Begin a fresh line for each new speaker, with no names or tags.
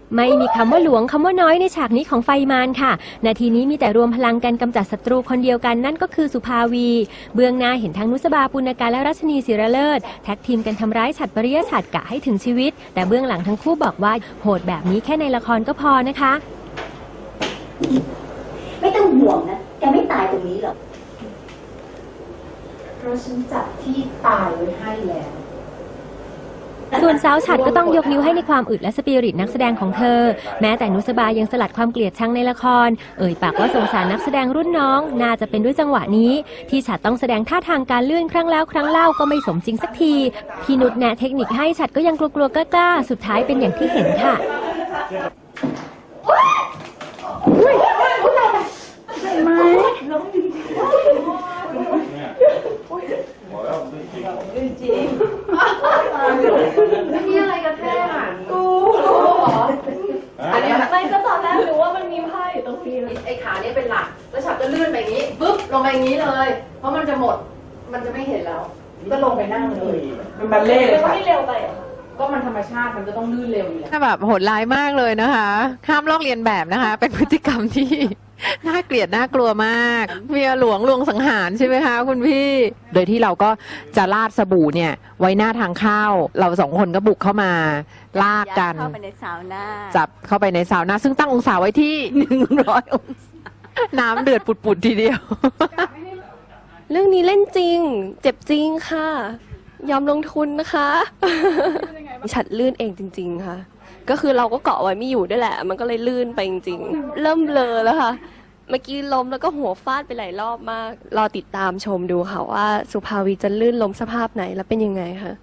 ไม่มีคำว่าหลวงคำว่าน้อยในฉากนี้ของไฟมารค่ะนาทีนี้มีแต่รวมพลังกันกำจัดศัตรูคนเดียวกันนั่นก็คือสุภาวีเบื้องหน้าเห็นทั้งนุสบาปุณการและรัชนีศิรเลิศแท็กทีมกันทำร้ายฉัตรปริยฉัตรกะให้ถึงชีวิตแต่เบื้องหลังทั้งคู่บอกว่าโหดแบบนี้แค่ในละครก็พอนะคะ
ไม่ต้องห่วงนะแกไม่ตายตรงนี้หรอก
เพราะฉันจัดที่ตายไว้ให้แล้ว
ส่วนสาวฉัตรก็ต้องยกนิ้วให้ในความอึดและสปิริตนักแสดงของเธอแม้แต่นุสบายังสลัดความเกลียดชังในละครปากว่าสงสารนักแสดงรุ่นน้องน่าจะเป็นด้วยจังหวะนี้ที่ฉัตรต้องแสดงท่าทางการลื่นครั้งแล้วครั้งเล่าก็ไม่สมจริงสักทีพี่นุชแนะเทคนิคให้ฉัตรก็ยังกลัวๆกล้าๆสุดท้ายเป็นอย่างที่เห็นค่ะ
มีอะไรกันแท้อ่ะกูอันนี้ไม่ก็ตอนแรกหรือว่ามันมีไพ่อยู่ตรงนี้ไอ้ขาเนี่ยเป็นหลักแล้วฉับจะลื่นไปอย่างนี้ปึ๊บลงไปอย่างนี้เลยเพราะมันจะหมดมันจะไม่เห็นแล้วก็ลงไปนั่งเลย
มันบัลเล่เลยค่ะ
ไม่เร็วไปก็มันธรรมชาติมันก็ต้องลื่นเร็วอยู่แล้ว
แบบโหดร้ายมากเลยนะคะห้ามลอกเลียนแบบนะคะเป็นพฤติกรรมที่น่าเกลียดน่ากลัวมากเมียหลวงลวงสังหารใช่ไหมคะคุณพี่โดยที่เราก็จะราดสบู่เนี่ยไว้หน้าทางเข้าเราสองคนก็บุกเข้ามาลากกัน
เข้าไปในซาวน่า
จับเข้าไปในซาวน่าซึ่งตั้งองศาไว้ที่100 องศาน้ำเดือดปุดๆทีเดียว
เรื่องนี้เล่นจริงเจ็บจริงค่ะยอมลงทุนนะคะฉัดลื่นเองจริงๆค่ะก็คือเราก็เกาะไว้ไม่อยู่ด้วยแหละมันก็เลยลื่นไปจริงๆเริ่มเบลอแล้วค่ะเมื่อกี้ล้มแล้วก็หัวฟาดไปหลายรอบมากรอติดตามชมดูค่ะว่าสุภาวีจะลื่นล้มสภาพไหนแล้วเป็นยังไงค่ะ